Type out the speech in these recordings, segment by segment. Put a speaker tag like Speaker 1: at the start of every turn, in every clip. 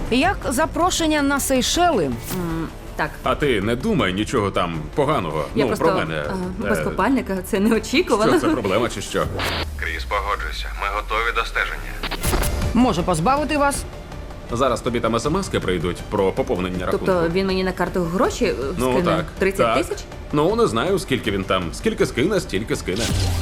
Speaker 1: Як запрошення на Сейшели?
Speaker 2: Так.
Speaker 3: А ти не думай нічого там поганого.
Speaker 2: Я
Speaker 3: про мене.
Speaker 2: без купальника, це неочікувано.
Speaker 3: Що, це проблема чи що?
Speaker 4: Кріс, погоджуйся. Ми готові до стеження.
Speaker 1: Може позбавити вас?
Speaker 3: Зараз тобі там смски прийдуть про поповнення рахунку.
Speaker 2: Тобто він мені на карту гроші скине?
Speaker 3: Ну так.
Speaker 2: 30
Speaker 3: так.
Speaker 2: тисяч?
Speaker 3: Ну, не знаю, скільки він там. Скільки скине, стільки скине.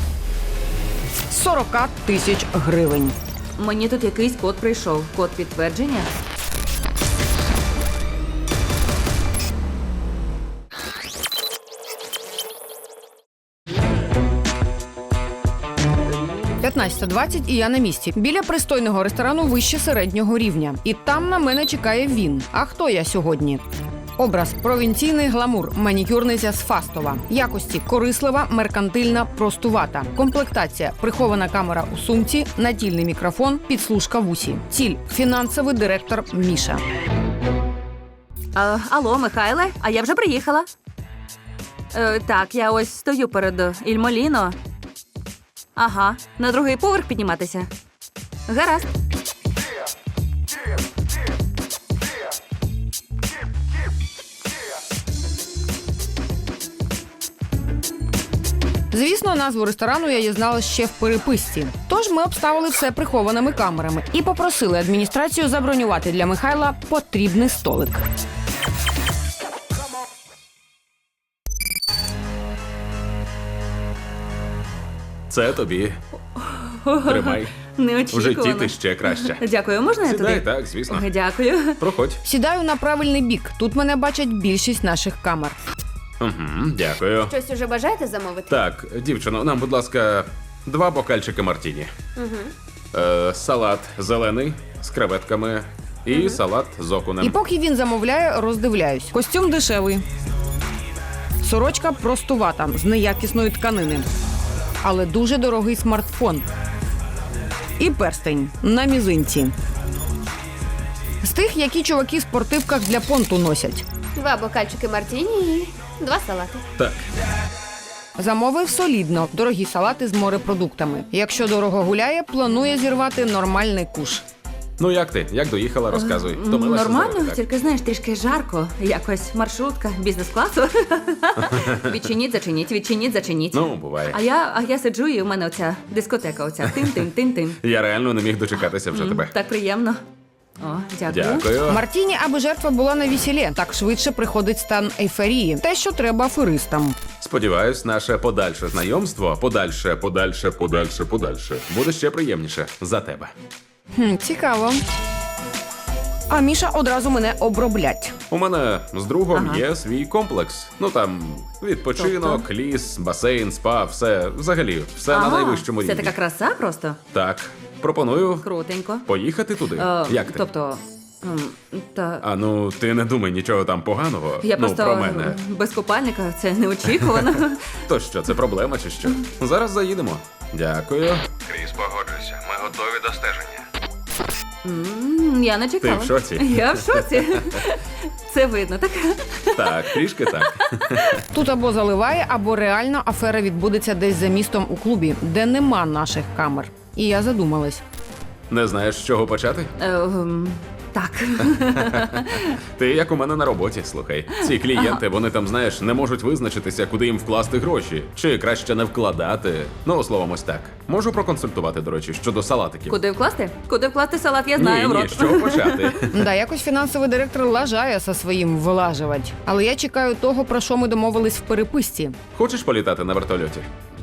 Speaker 1: 40 тисяч гривень.
Speaker 2: Мені тут якийсь код прийшов. Код підтвердження?
Speaker 1: – 15:20 і я на місці. Біля пристойного ресторану вище середнього рівня. І там на мене чекає він. А хто я сьогодні? Образ – провінційний гламур, манікюрниця з Фастова. Якості – корислива, меркантильна, простувата. Комплектація – прихована камера у сумці, натільний мікрофон, підслужка в усі. Ціль – фінансовий директор Міша.
Speaker 2: Алло, Михайле, а я вже приїхала. Так, я ось стою перед Ільмоліно. Ага, на другий поверх підніматися. Гаразд.
Speaker 1: Звісно, назву ресторану я дізналась ще в переписці. Тож ми обставили все прихованими камерами і попросили адміністрацію забронювати для Михайла потрібний столик.
Speaker 3: Це тобі. Тримай. В
Speaker 2: Неочікувано.
Speaker 3: житті ти ще краще.
Speaker 2: Дякую, можна я
Speaker 3: Сідай,
Speaker 2: туди?
Speaker 3: так, звісно.
Speaker 2: Дякую.
Speaker 3: Проходь.
Speaker 1: Сідаю на правильний бік. Тут мене бачать більшість наших камер.
Speaker 3: Угу, дякую.
Speaker 5: Щось уже бажаєте замовити?
Speaker 3: Так, дівчино, нам, будь ласка, 2 бокальчики мартіні. Салат зелений з креветками і салат з окунем.
Speaker 1: І поки він замовляє, роздивляюсь. Костюм дешевий. Сорочка простувата, з неякісної тканини. Але дуже дорогий смартфон. І перстень на мізинці. З тих, які чуваки в спортивках для понту носять.
Speaker 5: 2 бокальчики мартіні і 2 салати.
Speaker 3: Так.
Speaker 1: Замовив солідно. Дорогі салати з морепродуктами. Якщо дорого гуляє, планує зірвати нормальний куш.
Speaker 3: Ну як ти? Як доїхала, розказуй. Втомилася з
Speaker 2: Нормально,
Speaker 3: дороги, так?
Speaker 2: тільки, знаєш, трішки жарко. Якось маршрутка бізнес-класу. Відчиніть, зачиніть, відчиніть, зачиніть.
Speaker 3: Ну, буває.
Speaker 2: А я сиджу, і в мене оця дискотека, оця тим-тим-тим-тим.
Speaker 3: Я реально не міг дочекатися вже тебе.
Speaker 2: Так приємно. О, дякую.
Speaker 3: Дякую.
Speaker 1: Мартіні, аби жертва була на весіллі. Так швидше приходить стан ейфорії. Те, що треба аферистам.
Speaker 3: Сподіваюсь, наше подальше знайомство, подальше, буде ще приємніше за тебе.
Speaker 1: Цікаво. А Міша одразу мене оброблять.
Speaker 3: У мене з другом є свій комплекс. Ну там відпочинок,
Speaker 2: Тобто?
Speaker 3: ліс, басейн, спа, все, взагалі, все на найвищому
Speaker 2: Це
Speaker 3: рівні.
Speaker 2: така краса просто?
Speaker 3: Так, пропоную
Speaker 2: Крутенько.
Speaker 3: поїхати туди. Як ти?
Speaker 2: Тобто, та...
Speaker 3: А ну, ти не думай нічого там поганого.
Speaker 2: Я
Speaker 3: ну,
Speaker 2: просто
Speaker 3: про мене.
Speaker 2: без купальника, це неочікувано.
Speaker 3: То що, це проблема чи що? Зараз заїдемо. Дякую.
Speaker 4: Кріс, погоджуйся. Ми готові до стеження.
Speaker 2: Я не чекала.
Speaker 3: Ти в шоці?
Speaker 2: Я в шоці. Це видно, так?
Speaker 3: Так, трішки так.
Speaker 1: Тут або заливає, або реально афера відбудеться десь за містом у клубі, де нема наших камер. І я задумалась.
Speaker 3: Не знаєш, з чого почати?
Speaker 2: Так.
Speaker 3: Ти як у мене на роботі, слухай. Ці клієнти, вони там, знаєш, не можуть визначитися, куди їм вкласти гроші. Чи краще не вкладати. Ну, словом, ось так. Можу проконсультувати, до речі, щодо салатиків.
Speaker 2: Куди вкласти? Куди вкласти салат, я знаю, в
Speaker 3: Ні,
Speaker 2: рот.
Speaker 3: з чого почати?
Speaker 1: Да, якось фінансовий директор лажає со своїм вилажувати. Але я чекаю того, про що ми домовились в переписці.
Speaker 3: Хочеш політати на вертольоті?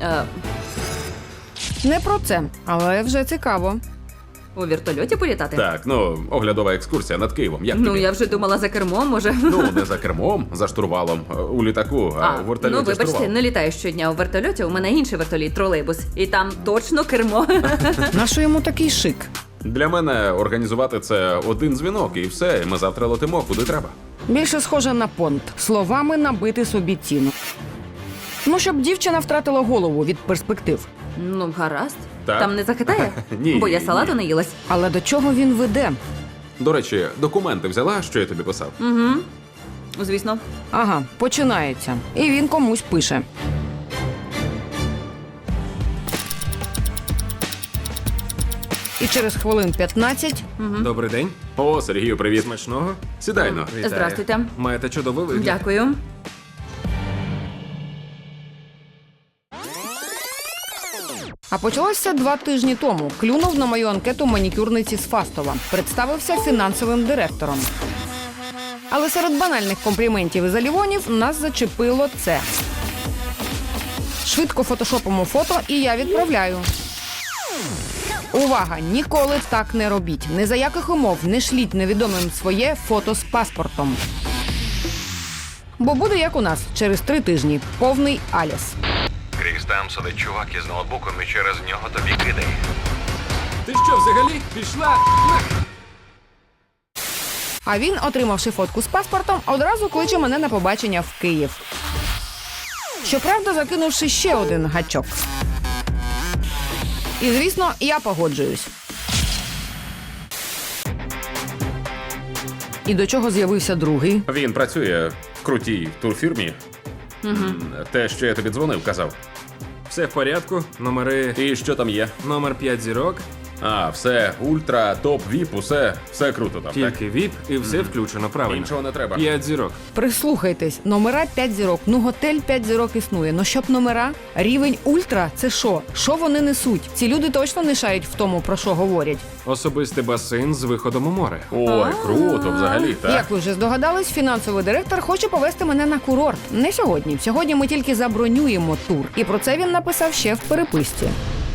Speaker 1: Не про це, але вже цікаво.
Speaker 2: У вертольоті політати?
Speaker 3: Так, ну, оглядова екскурсія над Києвом. Як
Speaker 2: Ну,
Speaker 3: тобі?
Speaker 2: я вже думала за кермом, може.
Speaker 3: Ну, не за кермом, за штурвалом, у літаку, а у вертольоті
Speaker 2: ну, вибачте,
Speaker 3: штурвал.
Speaker 2: не літаю щодня у вертольоті, у мене інший вертоліт, тролейбус. І там точно кермо.
Speaker 1: Нащо йому такий шик?
Speaker 3: Для мене організувати це один дзвінок і все, і ми завтра летимо куди треба.
Speaker 1: Більше схоже на понт. Словами набити собі ціну. Ну, щоб дівчина втратила голову від перспектив.
Speaker 2: Ну, гаразд.
Speaker 3: Так.
Speaker 2: Там не захитає?
Speaker 3: Ні,
Speaker 2: Бо я
Speaker 3: ні.
Speaker 2: салату не їлась.
Speaker 1: Але до чого він веде?
Speaker 3: До речі, документи взяла, що я тобі писав?
Speaker 2: Звісно.
Speaker 1: Ага, починається. І він комусь пише. І через хвилин 15
Speaker 6: Добрий день.
Speaker 3: О, Сергію, привіт.
Speaker 6: Смачного.
Speaker 3: Сідайно.
Speaker 6: Вітаю.
Speaker 2: Здрастуйте.
Speaker 6: Маєте чудовий вигляд.
Speaker 2: Дякую.
Speaker 1: А почалося 2 тижні тому. Клюнув на мою анкету манікюрниці з Фастова. Представився фінансовим директором. Але серед банальних компліментів і залівонів нас зачепило це. Швидко фотошопимо фото, і я відправляю. Увага! Ніколи так не робіть. Ні за яких умов не шліть невідомим своє фото з паспортом. Бо буде як у нас, через 3 тижні. Повний аляс.
Speaker 4: Кріс, там сидить чувак із ноутбуком і через нього тобі кидає.
Speaker 6: Ти що, взагалі? Пішла?
Speaker 1: А він, отримавши фотку з паспортом, одразу кличе мене на побачення в Київ. Щоправда, закинувши ще один гачок. І, звісно, я погоджуюсь. І до чого з'явився другий?
Speaker 3: Він працює в крутій турфірмі. Те, що я тобі дзвонив, казав.
Speaker 6: Все в порядку. Номери.
Speaker 3: І що там є?
Speaker 6: Номер 5 зірок.
Speaker 3: А, все, ультра, топ, віп, усе круто там, так?
Speaker 6: Тільки VIP і все включено, правильно.
Speaker 3: Іншого не треба.
Speaker 6: 5 зірок.
Speaker 1: Прислухайтесь, номера 5 зірок. Ну, готель 5 зірок існує. Ну, щоб номера? Рівень ультра – це що? Що вони несуть? Ці люди точно не шарять в тому, про що говорять.
Speaker 6: Особистий басейн з виходом у море.
Speaker 3: Ой, круто взагалі, так?
Speaker 1: Як ви вже здогадались, фінансовий директор хоче повести мене на курорт. Не сьогодні. Сьогодні ми тільки забронюємо тур. І про це він написав ще в переписці.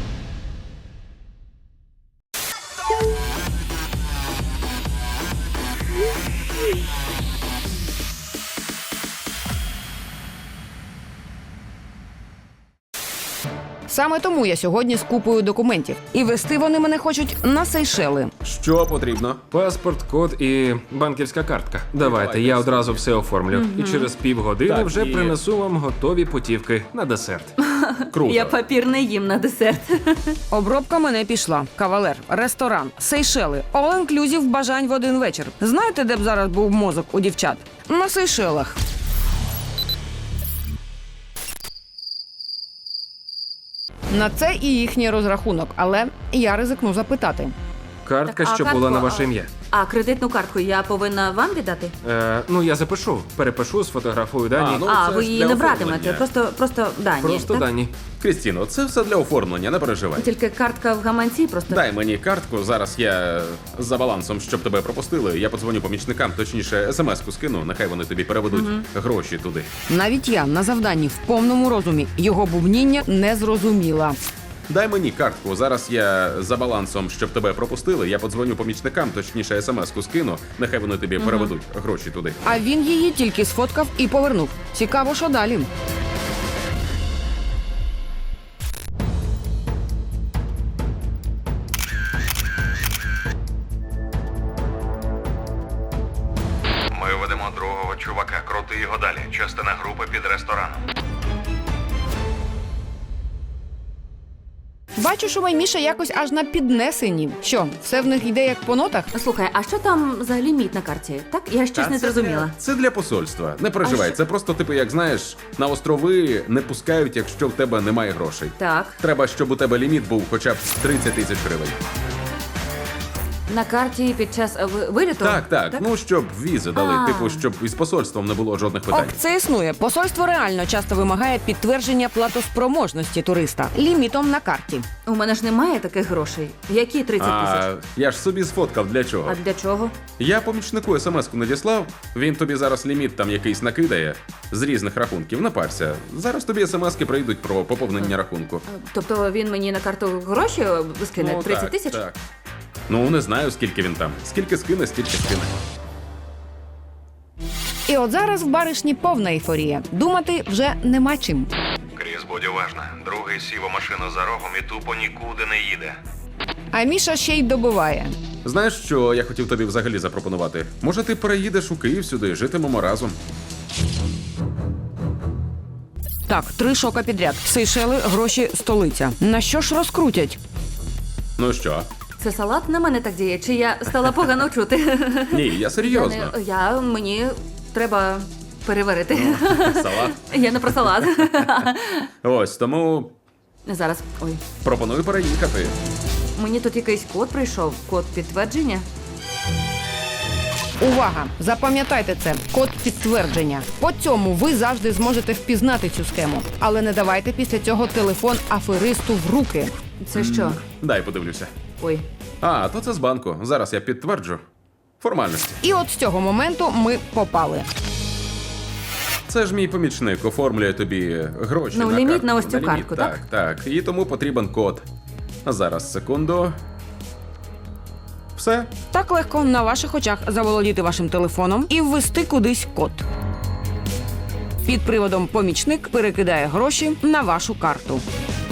Speaker 1: Саме тому я сьогодні з купою документів. І вести вони мене хочуть на Сейшели.
Speaker 3: Що потрібно?
Speaker 6: Паспорт, код і банківська картка. Давайте, я одразу все оформлю. І через півгодини
Speaker 3: Так,
Speaker 6: вже
Speaker 3: і-
Speaker 6: принесу вам готові путівки на десерт.
Speaker 3: Круто.
Speaker 2: Я папір не їм на десерт.
Speaker 1: Обробка мене пішла. Кавалер, ресторан, Сейшели, all-inclusive бажань в один вечір. Знаєте, де б зараз був мозок у дівчат? На Сейшелах. На це і їхній розрахунок, але я ризикну запитати.
Speaker 6: Картка,
Speaker 2: Так, а
Speaker 6: що
Speaker 2: картку,
Speaker 6: була на
Speaker 2: а-
Speaker 6: ваше ім'я.
Speaker 2: А кредитну картку я повинна вам віддати?
Speaker 6: Ну, я запишу, перепишу, сфотографую дані.
Speaker 3: Ну,
Speaker 2: А,
Speaker 3: це
Speaker 2: ви
Speaker 3: ж
Speaker 2: її
Speaker 3: для
Speaker 2: не
Speaker 3: оформлення.
Speaker 2: братимете, просто дані.
Speaker 6: Просто
Speaker 2: так?
Speaker 6: дані.
Speaker 3: Крістіно, це все для оформлення, не переживай.
Speaker 2: Тільки картка в гаманці просто.
Speaker 3: Дай мені картку, зараз я за балансом, щоб тебе пропустили. Я подзвоню помічникам, точніше, смс-ку скину, нехай вони тобі переведуть гроші туди.
Speaker 1: Навіть я на завданні в повному розумі його бубніння не зрозуміла.
Speaker 3: Дай мені картку, зараз я за балансом, щоб тебе пропустили. Я подзвоню помічникам, точніше, смс-ку скину, нехай вони тобі переведуть гроші туди.
Speaker 1: А він її тільки сфоткав і повернув. Цікаво, що далі.
Speaker 4: Ми ведемо другого чувака, крути його далі. Частина групи під рестораном.
Speaker 1: Бачу, що Майміша якось аж на піднесенні. Що, все в них йде як по нотах?
Speaker 2: Слухай, а що там за ліміт на карті? Так, я щось
Speaker 3: Та
Speaker 2: не зрозуміла.
Speaker 3: Це для посольства. Не переживай, це просто, типу, як знаєш, на острови не пускають, якщо в тебе немає грошей.
Speaker 2: Так,
Speaker 3: Треба, щоб у тебе ліміт був хоча б 30 тисяч гривень.
Speaker 2: на карті під час виліту?
Speaker 3: Так. Ну, щоб візи дали,
Speaker 2: А.
Speaker 3: типу, щоб із посольством не було жодних
Speaker 1: Ок,
Speaker 3: питань.
Speaker 1: це існує. Посольство реально часто вимагає підтвердження платоспроможності туриста лімітом на карті.
Speaker 2: У мене ж немає таких грошей. Які 30 тисяч?
Speaker 3: А я ж собі сфоткав для чого.
Speaker 2: А для чого?
Speaker 3: Я помічнику смс-ку надіслав, він тобі зараз ліміт там якийсь накидає з різних рахунків. Не парся. Зараз тобі смс-ки прийдуть про поповнення рахунку.
Speaker 2: Тобто він мені на карту гроші скине? 30
Speaker 3: так,
Speaker 2: тисяч?
Speaker 3: Так. Ну, не знаю, скільки він там. Скільки скине, стільки скине.
Speaker 1: І от зараз в баришні повна ейфорія. Думати вже нема чим.
Speaker 4: Кріс, будь уважна. Другий сів у машину за рогом і тупо нікуди не їде.
Speaker 1: А Міша ще й добиває.
Speaker 3: Знаєш, що я хотів тобі взагалі запропонувати? Може, ти переїдеш у Київ сюди, житимемо разом.
Speaker 1: Так, 3 шока підряд. Сейшели, гроші, столиця. На що ж розкрутять?
Speaker 3: Ну що?
Speaker 2: Це салат на мене так діє? Чи я стала погано чути?
Speaker 3: Ні, я серйозно.
Speaker 2: Мені треба переварити.
Speaker 3: Салат.
Speaker 2: Я не про салат.
Speaker 3: Ось, тому
Speaker 2: Зараз. Ой.
Speaker 3: пропоную переїхати.
Speaker 2: Мені тут якийсь код прийшов. Код підтвердження.
Speaker 1: Увага! Запам'ятайте це. Код підтвердження. По цьому ви завжди зможете впізнати цю схему. Але не давайте після цього телефон аферисту в руки.
Speaker 2: Це що?
Speaker 3: Дай подивлюся.
Speaker 2: Ой.
Speaker 3: А, то це з банку. Зараз я підтверджу. Формальності.
Speaker 1: І от з цього моменту ми попали.
Speaker 3: Це ж мій помічник оформлює тобі гроші.
Speaker 2: Ну,
Speaker 3: на
Speaker 2: ліміт
Speaker 3: картку.
Speaker 2: на ось цю
Speaker 3: ліміт,
Speaker 2: картку, так?
Speaker 3: Так. І тому потрібен код. А зараз, секунду. Все.
Speaker 1: Так легко на ваших очах заволодіти вашим телефоном і ввести кудись код. Під приводом помічник перекидає гроші на вашу карту.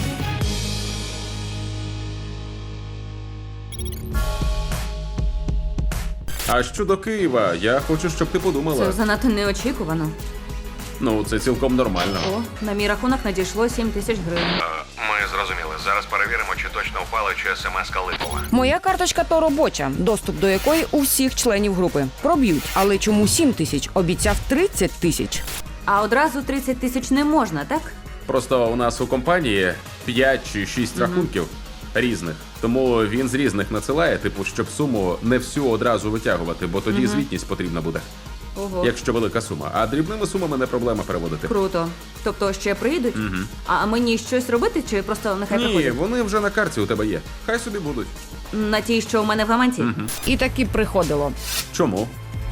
Speaker 3: А щодо Києва, я хочу, щоб ти подумала.
Speaker 2: Це занадто неочікувано.
Speaker 3: Ну, це цілком нормально.
Speaker 2: О, на мій рахунок надійшло 7 тисяч гривень.
Speaker 4: Ми зрозуміли. Зараз перевіримо, чи точно впала, чи смс-ка липова.
Speaker 1: Моя карточка то робоча, доступ до якої у всіх членів групи. Проб'ють. Але чому 7 тисяч? Обіцяв 30 тисяч.
Speaker 2: А одразу 30 тисяч не можна, так?
Speaker 3: Просто у нас у компанії 5 чи 6 рахунків різних. Тому він з різних надсилає, типу, щоб суму не всю одразу витягувати, бо тоді звітність потрібна буде.
Speaker 2: Ого.
Speaker 3: Якщо велика сума. А дрібними сумами не проблема переводити.
Speaker 2: Круто. Тобто ще приїдуть? А мені щось робити, чи просто нехай
Speaker 3: Ні,
Speaker 2: приходять?
Speaker 3: вони вже на карті у тебе є. Хай собі будуть.
Speaker 2: На тій, що у мене в гаманці?
Speaker 1: І таки приходило.
Speaker 3: Чому?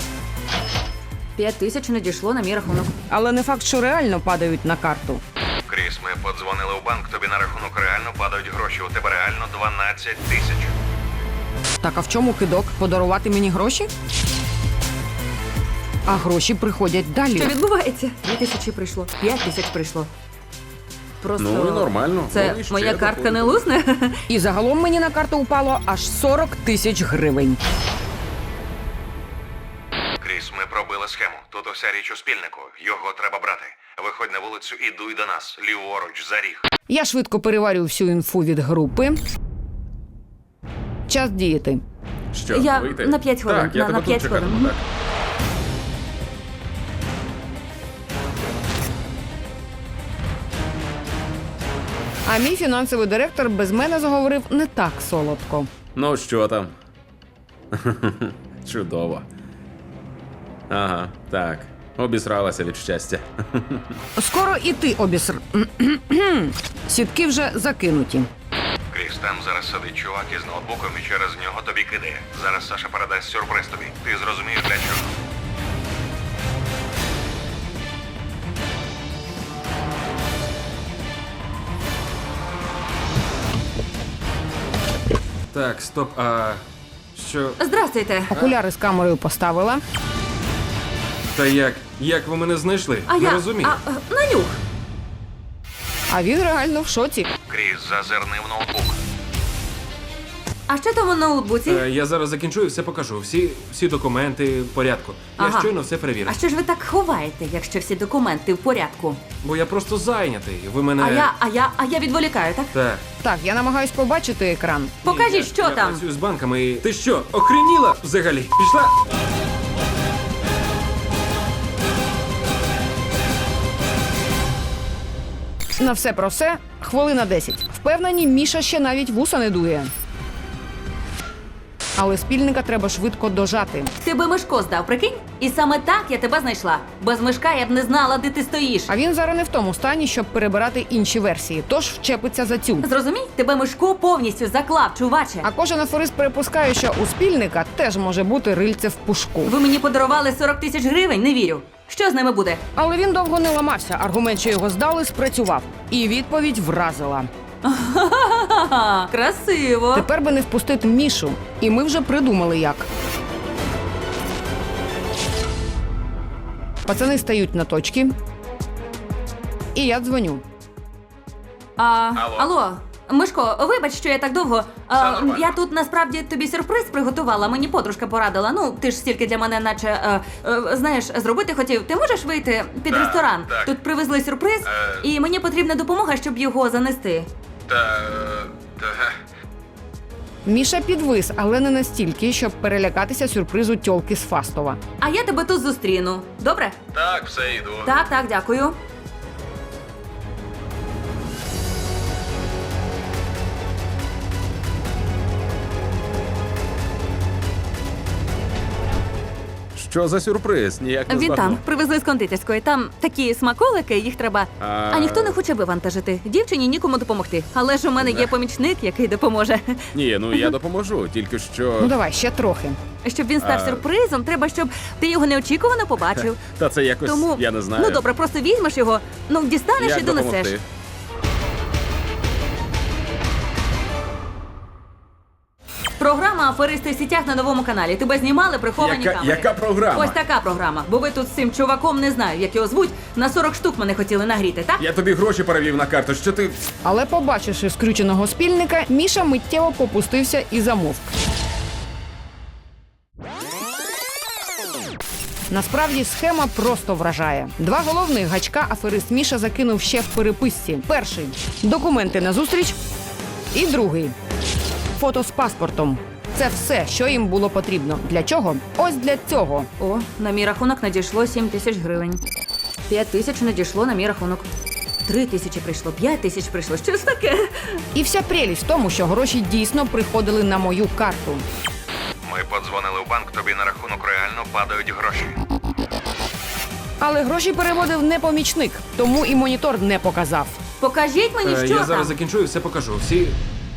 Speaker 2: 5 тисяч надійшло на мій рахунок.
Speaker 1: Але не факт, що реально падають на карту.
Speaker 4: Кріс, ми подзвонили у банк, тобі на рахунок реально падають гроші. У тебе реально 12 тисяч.
Speaker 1: Так а в чому кидок? Подарувати мені гроші? А гроші приходять далі.
Speaker 2: Що відбувається? 2 тисячі прийшло, 5 тисяч прийшло. Просто...
Speaker 3: Ну і нормально.
Speaker 2: Це
Speaker 3: Вони ще
Speaker 2: моя картка не
Speaker 3: доходять.
Speaker 2: лусне?
Speaker 1: І загалом мені на карту упало аж 40 тисяч гривень.
Speaker 4: Кріс, ми пробили схему. Тут уся річ у спільнику. Його треба брати. Виходь на вулицю і дуй до нас. Ліворуч, за ріг.
Speaker 1: Я швидко переварю всю інфу від групи. Час діяти.
Speaker 3: Що,
Speaker 2: Я
Speaker 3: вийти?
Speaker 2: на 5 хвилин,
Speaker 3: Так, я
Speaker 2: на
Speaker 3: тебе
Speaker 2: 5
Speaker 3: тут
Speaker 2: хвилин.
Speaker 3: чекатиму, так.
Speaker 1: А мій фінансовий директор без мене заговорив не так солодко.
Speaker 3: Ну, що там? Чудово. Ага, так. Обісралася від щастя.
Speaker 1: Скоро і ти обіср... Сітки вже закинуті.
Speaker 4: Кріс, там зараз сидить чувак із ноутбуком і через нього тобі кидає. Зараз Саша передасть сюрприз тобі. Ти зрозумієш для чого.
Speaker 6: Так, стоп, а що?
Speaker 2: Здрастуйте.
Speaker 1: Окуляри з камерою поставила.
Speaker 6: Та як? Як ви мене знайшли?
Speaker 2: А
Speaker 6: Не
Speaker 2: я...
Speaker 6: розумію.
Speaker 2: На нюх.
Speaker 1: А він реально в шоці.
Speaker 4: Кріс, зазирни в ноутбук.
Speaker 2: А що там у ноутбуці?
Speaker 6: Я зараз закінчу і все покажу. Всі документи в порядку. Я
Speaker 2: Ага.
Speaker 6: щойно все перевірив.
Speaker 2: А що ж ви так ховаєте, якщо всі документи в порядку?
Speaker 6: Бо я просто зайнятий. Ви мене.
Speaker 2: А я відволікаю, так?
Speaker 6: Так.
Speaker 1: Так, я намагаюсь побачити екран.
Speaker 2: Покажіть, що
Speaker 6: я
Speaker 2: там.
Speaker 6: працюю з банками і... Ти що, охреніла взагалі? Пішла?
Speaker 1: На все про все хвилина 10. Впевнені, Міша ще навіть вуса не дує. Але спільника треба швидко дожати.
Speaker 2: Ти би Мишко здав, прикинь? І саме так я тебе знайшла. Без Мишка я б не знала, де ти стоїш.
Speaker 1: А він зараз не в тому стані, щоб перебирати інші версії, тож вчепиться за цю.
Speaker 2: Зрозумій? Тебе Мишко повністю заклав, чуваче.
Speaker 1: А кожен аферист припускає, що у спільника теж може бути рильце в пушку.
Speaker 2: Ви мені подарували 40 тисяч гривень, не вірю. Що з ними буде?
Speaker 1: Але він довго не ламався. Аргумент, що його здали, спрацював. І відповідь вразила.
Speaker 2: Ха-ха, красиво.
Speaker 1: Тепер би не впустити Мішу. І ми вже придумали як. Пацани стають на точки. І я дзвоню.
Speaker 2: Алло, Мишко, вибач, що я так довго.
Speaker 4: нормально.
Speaker 2: Я тут насправді тобі сюрприз приготувала. Мені подружка порадила. Ну, ти ж стільки для мене, наче знаєш, зробити хотів. Ти можеш вийти під
Speaker 4: Так,
Speaker 2: ресторан?
Speaker 4: так.
Speaker 2: Тут привезли сюрприз, і мені потрібна допомога, щоб його занести.
Speaker 4: Та...
Speaker 1: Міша підвис, але не настільки, щоб перелякатися сюрпризу тьолки з Фастова.
Speaker 2: А я тебе тут зустріну. Добре?
Speaker 4: Так, все, йду.
Speaker 2: Так, дякую.
Speaker 3: Що за сюрприз? Ніяк не
Speaker 2: Він
Speaker 3: збагнув.
Speaker 2: там, привезли з кондитерської. Там такі смаколики, їх треба. А ніхто не хоче вивантажити. Дівчині нікому допомогти. Але ж у мене є помічник, який допоможе.
Speaker 3: Ні, ну я допоможу, тільки що.
Speaker 1: Ну давай, ще трохи.
Speaker 2: Щоб він став сюрпризом, треба, щоб ти його неочікувано побачив.
Speaker 3: Та це якось,
Speaker 2: Тому
Speaker 3: я не знаю.
Speaker 2: ну добре, просто візьмеш його, ну дістанеш
Speaker 3: Як
Speaker 2: і донесеш.
Speaker 3: допомогти?
Speaker 2: Програма «Аферисти в сітях» на новому каналі. Тебе знімали приховані камери.
Speaker 3: Яка програма?
Speaker 2: Ось така програма. Бо ви тут з цим чуваком, не знаю, як його звуть, на 40 штук мене хотіли нагріти, так?
Speaker 3: Я тобі гроші перевів на карту, що ти.
Speaker 1: Але побачивши скрюченого спільника, Міша миттєво попустився і замовк. Насправді схема просто вражає. Два головних гачка аферист Міша закинув ще в переписці. Перший – документи на зустріч. І другий – фото з паспортом. Це все, що їм було потрібно. Для чого? Ось для цього.
Speaker 2: О, на мій рахунок надійшло 7 тисяч гривень. 5 тисяч надійшло на мій рахунок. 3 тисячі прийшло, 5 тисяч прийшло. Що ж таке?
Speaker 1: І вся прелість в тому, що гроші дійсно приходили на мою карту.
Speaker 4: Ми подзвонили в банк, тобі на рахунок реально падають гроші.
Speaker 1: Але гроші переводив не помічник, тому і монітор не показав.
Speaker 2: Покажіть мені, що
Speaker 6: Я
Speaker 2: там.
Speaker 6: зараз закінчу і все покажу. Всі.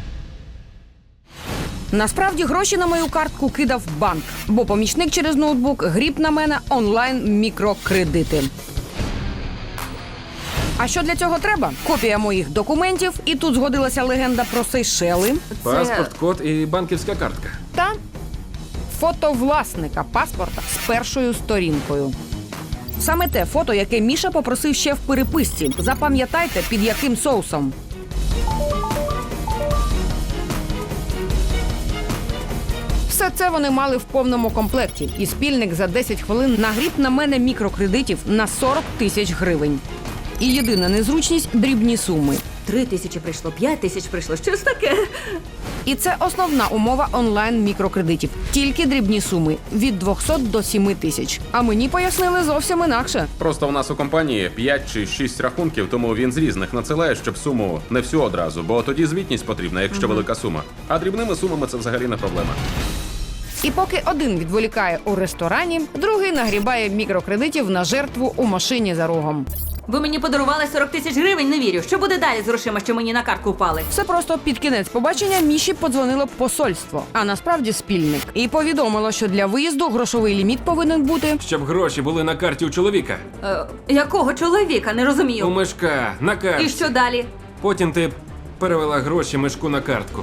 Speaker 1: Насправді гроші на мою картку кидав банк, бо помічник через ноутбук гріб на мене онлайн-мікрокредити. А що для цього треба? Копія моїх документів, і тут згодилася легенда про Сейшели
Speaker 6: Паспорт, код і банківська картка.
Speaker 1: та фото власника паспорта з першою сторінкою. Саме те фото, яке Міша попросив ще в переписці. Запам'ятайте, під яким соусом. Все це вони мали в повному комплекті. І спільник за 10 хвилин нагріб на мене мікрокредитів на 40 тисяч гривень. І єдина незручність – дрібні суми.
Speaker 2: 3 тисячі прийшло, 5 тисяч прийшло. Що ж таке?
Speaker 1: І це основна умова онлайн-мікрокредитів. Тільки дрібні суми – від 200 до 7 тисяч. А мені пояснили зовсім інакше.
Speaker 3: Просто в нас у компанії 5 чи 6 рахунків, тому він з різних надсилає, щоб суму не всю одразу, бо тоді звітність потрібна, якщо велика сума. А дрібними сумами це взагалі не проблема.
Speaker 1: І поки один відволікає у ресторані, другий нагрібає мікрокредитів на жертву у машині за рогом.
Speaker 2: Ви мені подарували 40 тисяч гривень, не вірю. Що буде далі з грошима, що мені на картку впали?
Speaker 1: Все просто під кінець побачення Міші подзвонило посольство, а насправді спільник. І повідомило, що для виїзду грошовий ліміт повинен бути.
Speaker 6: Щоб гроші були на карті у чоловіка.
Speaker 2: Якого чоловіка? Не
Speaker 6: У
Speaker 2: розумію.
Speaker 6: мешка, на
Speaker 2: І
Speaker 6: картці.
Speaker 2: що далі?
Speaker 6: Потім ти перевела гроші мешку на картку.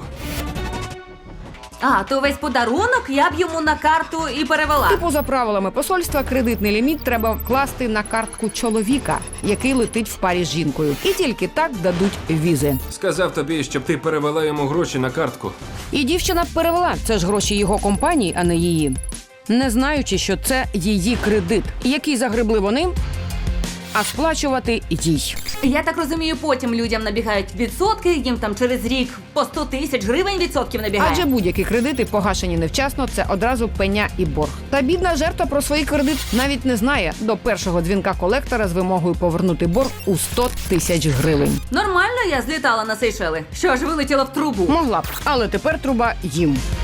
Speaker 2: А, то весь подарунок я б йому на карту і перевела.
Speaker 1: Типу, за правилами посольства, кредитний ліміт треба вкласти на картку чоловіка, який летить в парі з жінкою. І тільки так дадуть візи.
Speaker 6: Сказав тобі, щоб ти перевела йому гроші на картку.
Speaker 1: І дівчина перевела. Це ж гроші його компанії, а не її. Не знаючи, що це її кредит, який загребли вони, а сплачувати їй.
Speaker 2: Я так розумію, потім людям набігають відсотки, їм там через рік по 100 тисяч гривень відсотків набігає.
Speaker 1: Адже будь-які кредити, погашені невчасно, це одразу пеня і борг. Та бідна жертва про свій кредит навіть не знає до першого дзвінка колектора з вимогою повернути борг у 100 тисяч гривень.
Speaker 2: Нормально я злітала на Сейшели. Що ж, вилетіла в трубу.
Speaker 1: Могла б, але тепер труба їм.